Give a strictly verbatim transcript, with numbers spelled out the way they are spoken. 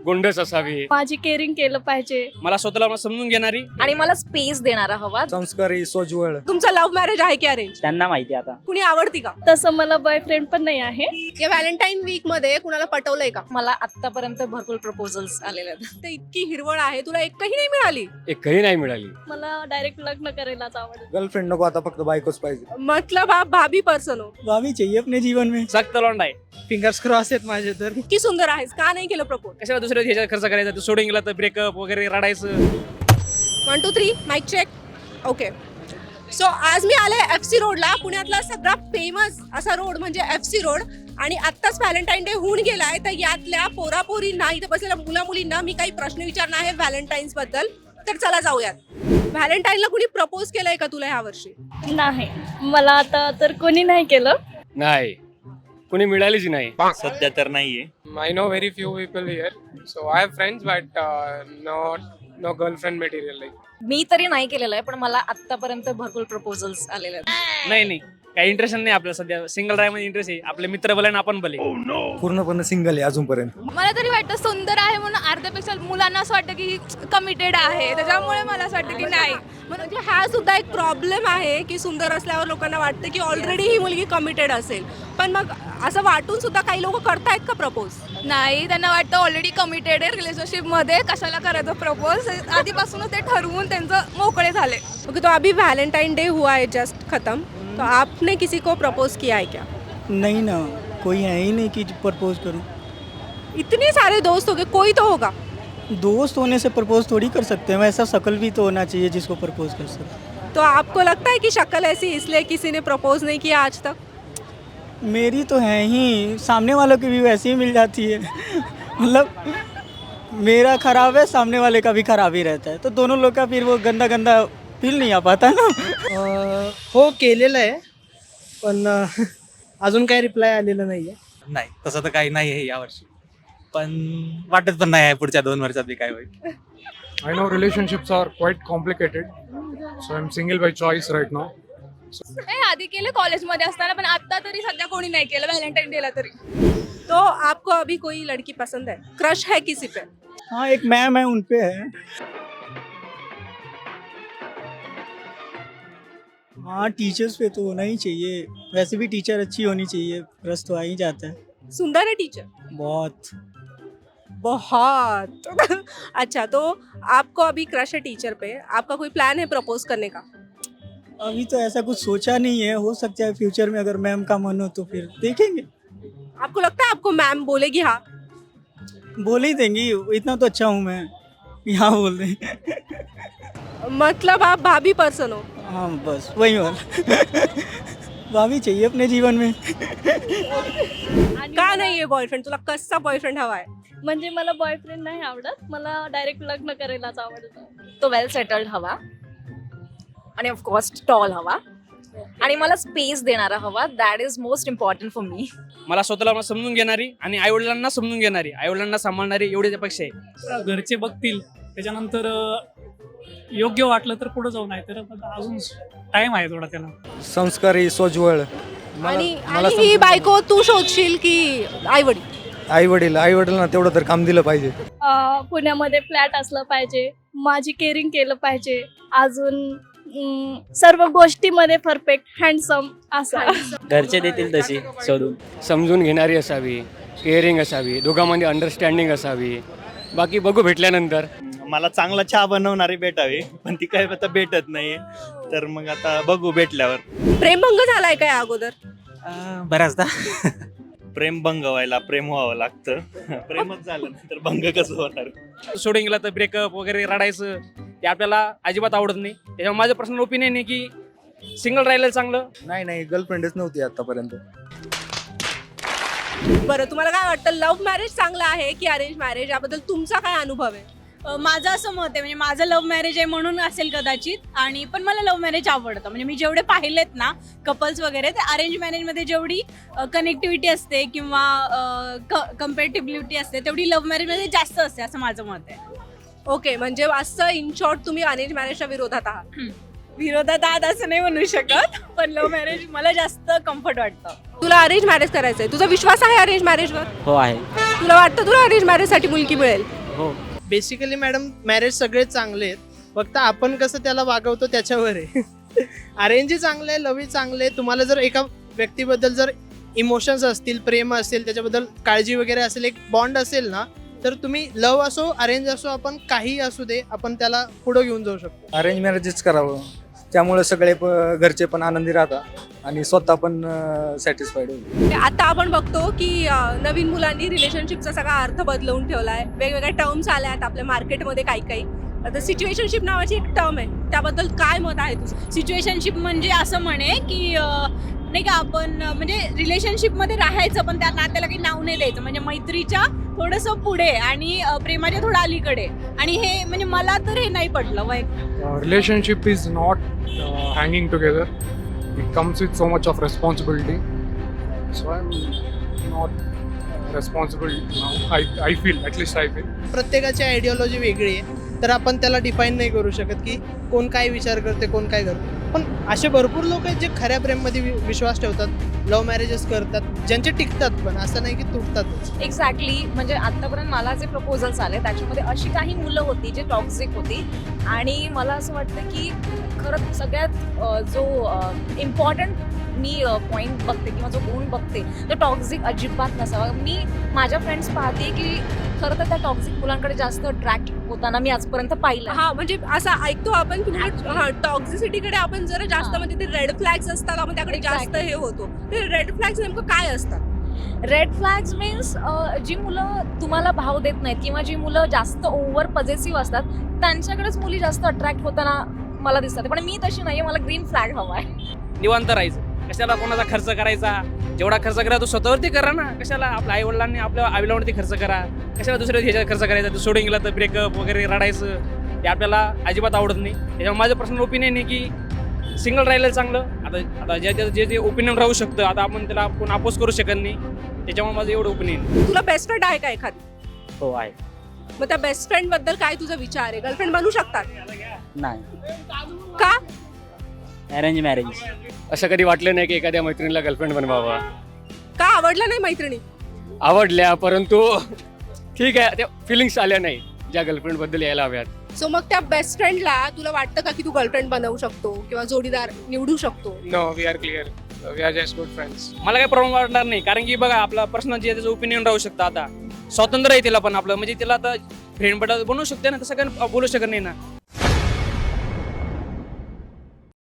गोंडस असावी, माझी केअरिंग केलं पाहिजे, मला स्वतःला समजून घेणारी आणि मला स्पेस देणारा हवा. संस्कारी सोज्वळ. तुमचं लव्ह मॅरेज आहे की अरेंज? त्यांना माहिती आता. कुणी आवडती का? तसं मला बॉयफ्रेंड पण नाही आहे. या व्हॅलेंटाईन वीक मध्ये कुणाला पटवलंय का? मला आतापर्यंत भरपूर प्रपोजल्स आलेले आहेत. ते इतकी हिरवळ आहे, तुला एकही नाही मिळाली? एकही नाही मिळाली. मला डायरेक्ट लग्न करायलाच आवडेल. गर्लफ्रेंड नको, आता फक्त बायकोच पाहिजे. मतलब आप भाभी पर्सन हो. भाभी चाहिए अपने जीवन में. सक्त लॉन्ड आहे. फिंगर्स क्रॉस आहेत माझे तर. इतकी सुंदर आहेस, का नाही केलं प्रपोज? कशाला दुसऱ्या ह्याच्यात खर्च करायचा, तू सोडून गेला तर ब्रेकअप वगैरे रडायचं. One two three mic check. Okay, so आज मी आले एफ सी रोडला. पुण्यातला सगळा फेमस असा रोड म्हणजे एफ सी रोड. आणि आत्ताच व्हॅलेंटाईन डे होऊन गेलाय, तर यातल्या पोरापोरींना, इथे बसलेल्या मुला मुलींना मी काही प्रश्न विचारणार आहे व्हॅलेंटाईन्स बद्दल. तर चला जाऊयात. व्हॅलेंटाईनला कुणी प्रपोज केलंय का तुला ह्या वर्षी? नाही, मला आता तर कोणी नाही केलं. नाही, कोणी मिळालीच नाही. सध्या तर नाहीये. I know very few people here, so I have friends, but uh, not no girlfriend material like. मी तरी नाही केलेलं आहे, पण मला आतापर्यंत भरपूर प्रपोजल्स आलेले आहेत. नाही नाही, काही इंटरेस्ट नाही आपल्याला सध्या. सिंगल ड्राईव्ह मध्ये इंटरेस्ट आहे. आपले मित्र भले आणि आपण भले. पूर्णपणे सिंगल आहे अजूनपर्यंत. मला तरी वाटतं सुंदर आहे म्हणून अर्ध्यापेक्षा मुलांना असं वाटतं की कमिटेड आहे, त्याच्यामुळे मला असं वाटतं की नाही. म्हणजे हा सुद्धा एक प्रॉब्लेम आहे की सुंदर असल्यावर लोकांना वाटतं की ऑलरेडी ही मुलगी कमिटेड असेल. पण मग असं वाटून सुद्धा काही लोक करतायत का प्रपोज? नाही, त्यांना वाटतं ऑलरेडी कमिटेड आहे रिलेशनशिपमध्ये, कशाला करायचं प्रपोज. आधीपासूनच ते ठरवून त्यांचं मोकळे झाले. ओके, तो अभी वैलेंटाइन डे हुआ है जस्ट खत्म, तो आपने किसी को प्रपोज किया है क्या? नहीं ना, कोई है ही नहीं कि प्रपोज करूं. इतने सारे दोस्त हो गए, कोई तो होगा. दोस्त होने से प्रपोज थोड़ी कर सकते हैं. वैसा शक्ल भी तो होना चाहिए जिसको प्रपोज कर सकते. तो आपको लगता है कि शक्ल ऐसी इसलिए किसी ने प्रपोज नहीं किया आज तक? मेरी तो है ही, सामने वालों की भी वैसी ही मिल जाती है. मतलब मेरा खराब है, सामने वाले का भी खराब ही रहता है, तो दोनों लोग का फिर वो गंदा गंदा फील नहीं आ पाता ना. हो, केलेलं आहे, पण अजून काही रिप्लाय आलेला नाही आहे. नाही, तसं तर काही नाही आहे यावर्षी, पण वाटत पण नाही आहे पुढच्या दोन वर्षात बी काय होईल. I know relationships are quite complicated, so I'm single by choice right now. हे आधी केलं कॉलेजमध्ये असताना, पण आता तरी सध्या कोणी नाही केलं व्हॅलेंटाईन डेला तरी. तो आपको अभी कोई लड़की पसंद है, क्रश है किसी पे? हाँ, एक मैम है, उन पे है. हाँ, टीचर्स पे तो होना ही चाहिए. वैसे भी टीचर अच्छी होनी चाहिए, रस तो आ ही जाता है. सुंदर है टीचर? बहुत बहुत. अच्छा, तो आपको अभी क्रश है टीचर पे, आपका कोई प्लान है प्रपोज करने का? अभी तो ऐसा कुछ सोचा नहीं है. हो सकता है फ्यूचर में अगर मैम का मन हो तो फिर देखेंगे. आपको लगता है आपको मैम बोलेगी हाँ? बोल ही देंगी, इतना तो अच्छा हूँ मैं, यहाँ बोल रहे. मतलब आप भाभी पर्सन हो. हाँ, बस वही वाला. भाभी चाहिए अपने जीवन में. का नाही आहे बॉयफ्रेंड? तुला कसा बॉयफ्रेंड हवा आहे? म्हणजे मला बॉयफ्रेंड नाही आवडत, मला डायरेक्ट लग्न करायलाच आवडतं. तो वेल सेटल्ड हवा, आणि ऑफकोर्स टॉल हवा, आणि मला स्पेस देणारा हवा. That is most important for me. मला स्वतःला समजून घेणारी आणि आई वडिलांना समजून घेणारी, आई वडिलांना सांभाळणारी, एवढ्याच अपेक्षा आहे. घरचे बघतील, त्याच्यानंतर योग्य वाटलं तर पुढे जाऊ, नाही तर अजून टाइम आहे थोडा त्याला. संस्कारी सोज्वळ. आणि आणि ही बायको तू शोधशील की आई वडील? आई वडील आई वडिलांना तेवढं तर काम दिलं पाहिजे. अं, पुण्यामध्ये फ्लॅट असलं पाहिजे, माझी केअरिंग केलं पाहिजे, अजून अं, सर्व गोष्टीमध्ये परफेक्ट, हँडसम असं. घरचे देतील तशी शोधून. समजून घेणारी असावी, केअरिंग असावी, दोघांमध्ये अंडरस्टँडिंग असावी. बाकी बघू भेटल्यानंतर. मला चांगला चहा बनवणारी भेटावी, पण ती काय आता भेटत नाहीये, तर मग आता बघू भेटल्यावर. प्रेमभंग झालाय काय अगोदर? बऱ्याचदा प्रेम भंग व्हायला प्रेम व्हावं लागतं. प्रेमच झालं नाही तर भंग कसं होणार? सोडून गेला तर ब्रेकअप वगैरे रडायचं, ते आपल्याला अजिबात आवडत नाही. त्याच्यामुळे माझं पर्सनल ओपिनियन आहे की सिंगल राहिलं चांगलं. नाही नाही, गर्लफ्रेंडच नव्हती आतापर्यंत. बरं, तुम्हाला काय वाटतं, लव्ह मॅरेज चांगलं आहे की अरेंज मॅरेज? याबद्दल तुमचा काय अनुभव आहे? माझं असं मत आहे, म्हणजे माझं लव्ह मॅरेज आहे म्हणून असेल कदाचित, आणि पण मला लव्ह मॅरेज आवडतं. म्हणजे मी जेवढे पाहिलेत ना कपल्स वगैरे, ते अरेंज मॅरेजमध्ये जेवढी कनेक्टिव्हिटी असते किंवा कम्पॅटिबिलिटी असते तेवढी लव्ह मॅरेजमध्ये जास्त असते, असं माझं मत आहे. ओके, म्हणजे असं इन शॉर्ट तुम्ही अरेंज मॅरेजच्या विरोधात आहात? विरोधात आहात असं नाही म्हणू शकत, पण लव्ह मॅरेज मला जास्त कम्फर्ट वाटतं. तुला अरेंज मॅरेज करायचं आहे, तुझा विश्वास आहे अरेंज मॅरेजवर? हो आहे. तुला वाटतं तुला अरेंज मॅरेजसाठी मुलगी मिळेल? हो. बेसिकली मॅडम मॅरेज सगळे चांगले आहेत, फक्त आपण कसं त्याला वागवतो त्याच्यावर आहे. अरेंजही चांगलं आहे, लवही चांगलं आहे. तुम्हाला जर एका व्यक्तीबद्दल जर इमोशन्स असतील, प्रेम असेल, त्याच्याबद्दल काळजी वगैरे असेल, एक बॉन्ड असेल ना, तर तुम्ही लव असो अरेंज असो, आपण काही असू दे, आपण त्याला पुढं घेऊन जाऊ शकतो. अरेंज मॅरेजच करावं, त्यामुळे सगळे प- घरचे पण आनंदी राहतात आणि स्वतः पण सॅटिस्फाईड होईल. आता आपण बघतो की अं, नवीन मुलांनी रिलेशनशिपचा सगळा अर्थ बदलवून ठेवला आहे. वेगवेगळ्या टर्म्स आल्या आहेत आपल्या मार्केटमध्ये काही काही. आता सिच्युएशनशिप नावाची एक टर्म आहे, त्याबद्दल काय मत आहे तुझं? सिच्युएशनशिप म्हणजे असं म्हणे की अं, नाही का आपण अं, म्हणजे रिलेशनशिपमध्ये राहायचं पण त्या नात्याला काही नाव नाही द्यायचं, म्हणजे मैत्रीच्या थोडंसं पुढे आणि अं, प्रेमाच्या थोडं अलीकडे. आणि हे म्हणजे मला तर हे नाही पटलं. वय relationship is not uh, hanging together. It comes with so much of responsibility. So I'm not responsible now. I I feel, at least I feel. प्रत्येकाची आयडिओलॉजी वेगळी आहे, तर आपण त्याला डिफाईन नाही करू शकत की कोण काय विचार करते, कोण काय करते. पण असे भरपूर लोक आहेत जे खऱ्या प्रेममध्ये वि- विश्वास ठेवतात, लव्ह मॅरेजेस करतात, ज्यांचे टिकतात, पण असं नाही की तुटतातच. एक्झॅक्टली. म्हणजे आतापर्यंत मला जे प्रपोजल्स आले त्याच्यामध्ये अशी काही मुलं होती जे टॉक्सिक होती. आणि मला असं वाटतं की खरं सगळ्यात अ, जो इम्पॉर्टंट मी पॉईंट बघते किंवा जो गुण बघते तो टॉक्सिक अजिबात नसावा. मी माझ्या फ्रेंड्स पाहते की खरं तर त्या टॉक्सिक मुलांकडे जास्त अट्रॅक्ट होताना मी आजपर्यंत पाहिलं. हा, म्हणजे असं ऐकतो आपण की हा टॉक्झिसिटीकडे आपण जरा जास्त, हा. म्हणजे ते रेड फ्लॅग्स असतात, आपण त्याकडे जास्त Exactly. हे होतो. ते रेड फ्लॅग्स नेमकं काय असतात? रेड फ्लॅग्स मीन्स जी मुलं तुम्हाला भाव देत नाहीत किंवा जी मुलं जास्त ओव्हर पॉझेसिव्ह असतात त्यांच्याकडेच मुली जास्त अट्रॅक्ट होताना मला दिसतात. पण मी तशी नाही, मला ग्रीन फ्लॅग हवा आहे. निवांत राहायचं, कशाला कोणाचा खर्च करायचा, जेवढा खर्च करा तो स्वतःवरती करा ना. कशाला आपल्या आई वडिलांनी आपल्या आईवडिलांवरती खर्च करा, कशाला दुसऱ्या ह्याच्यात खर्च करायचा. तो सोडून गेला तर ब्रेकअप वगैरे रडायचं, ते आपल्याला अजिबात आवडत नाही. त्याच्यामुळे माझं पर्सनल ओपिनियन आहे की सिंगल राहिलेलं चांगलं. आता आता जे जे- जे जे ओपिनियन राहू शकतं, आता आपण त्याला कोण अपोज करू शकत नाही. त्याच्यामुळे माझं एवढं ओपिनियन. तुला बेस्ट फ्रेंड आहे का एखादी? हो आहे. मग त्या बेस्ट फ्रेंड बद्दल काय तुझा विचार आहे? गर्लफ्रेंड बनू शकतात नाही. का? Arrange marriage. असं कधी वाटलं नाही की एखाद्या मैत्रिणीला गर्लफ्रेंड बनवावा. का आवडलं नाही मैत्रिणी? आवडल्या, परंतु ठीक आहे, त्या फिलिंग्स आल्या नाही ज्या गर्लफ्रेंड बद्दल यायला हव्यात. सो मग त्या बेस्ट फ्रेंडला तुला वाटतं का की तू गर्लफ्रेंड बनवू शकतो किंवा जोडीदार निवडू शकतो? No, we are clear. Uh, we are just good friends. मला काही प्रॉब्लेम वाटणार नाही, कारण की बघा आपला पर्सनल जे त्याचं ओपिनियन राहू शकतं. आता स्वातंत्र्य आहे तिला पण आपलं, म्हणजे तिला आता फ्रेंड बद्दल बनवू शकते ना, तसं काही बोलू शकत नाही ना.